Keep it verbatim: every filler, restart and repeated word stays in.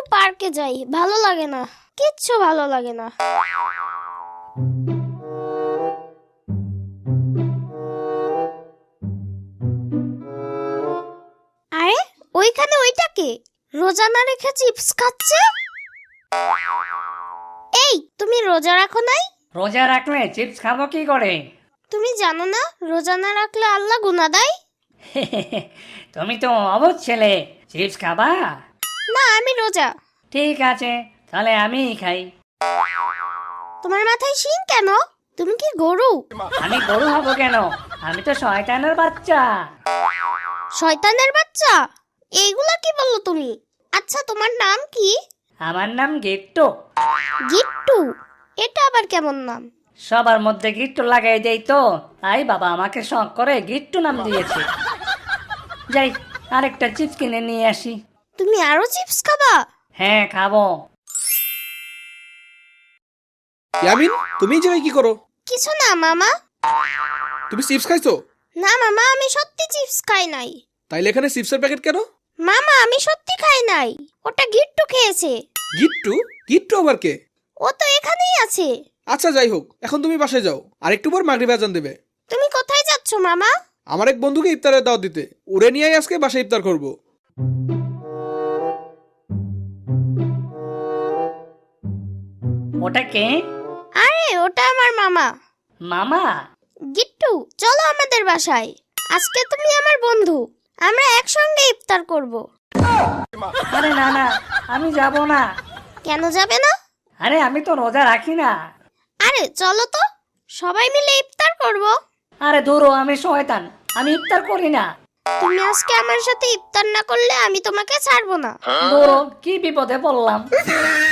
পার্কে যাই, ভালো লাগে না, কিচ্ছু ভালো লাগে না। আরে ওইখানে ওইটা কে? রোজা না রেখে চিপস খাচ্ছে। এই তুমি রোজা রাখো নাই? রোজা রাখলে চিপস খাবো কি করে? তুমি জানো না রোজা না রাখলে আল্লাহ গুনাহ দেয়? তুমি তো অবুঝ ছেলে, চিপস খাবা? না আমি রোজা। ঠিক আছে, তাহলে আমিই খাই। তোমার মাথায় শিং কেন? তুমি কি গরু? আমি গরু হব কেন? আমি তো শয়তানের বাচ্চা। শয়তানের বাচ্চা? এইগুলা কি বললো তুমি? আচ্ছা তোমার নাম কি? আমার নাম গিট্টু। গিট্টু? এটা আবার কেমন নাম? সবার মধ্যে গিট্টু লাগাই দেই তো, তাই বাবা আমাকে শখ করে গিট্টু নাম দিয়েছে। যাই আরেকটা চিপস কিনে নিয়ে আসি। তুমি আরো চিপস খাবা? হ্যাঁ খাবো। ইয়ামিন, তুমি এই জায়গায় কি করো? কিছু না মামা। তুমি চিপস খাইছো? না মামা, আমি সত্যি চিপস খাই নাই। তাইলে এখানে চিপসের প্যাকেট কেন? মামা আমি সত্যি খাই নাই, ওটা গিট্টু খেয়েছে। গিট্টু? গিট্টু আবার কে? ও তো এখানেই আছে। আচ্ছা যাই হোক, এখন তুমি বাসায় যাও, আর একটু পর মাগরিব আজান দেবে। তুমি কোথায় যাচ্ছ মামা? আমার এক বন্ধুকে ইফতারের দাওয়াত দিতে, ওরে নিয়েই আজকে বাসায় ইফতার করব। ওটা কে? আরে ওটা আমার মামা। মামা? গিট্টু চলো আমাদের বাসায়, আজকে তুমি আমার বন্ধু, আমরা একসঙ্গে ইফতার করব। আরে না না, আমি যাব না। কেন যাবে না? আরে আমি তো রোজা রাখি না। আরে চলো তো, সবাই মিলে ইফতার করব। আরে দূরও, আমি শয়তান, আমি ইফতার করি না। তুমি আজকে আমার সাথে ইফতার না করলে আমি তোমাকে ছাড়বো না। দূরও, কি বিপদে পড়লাম।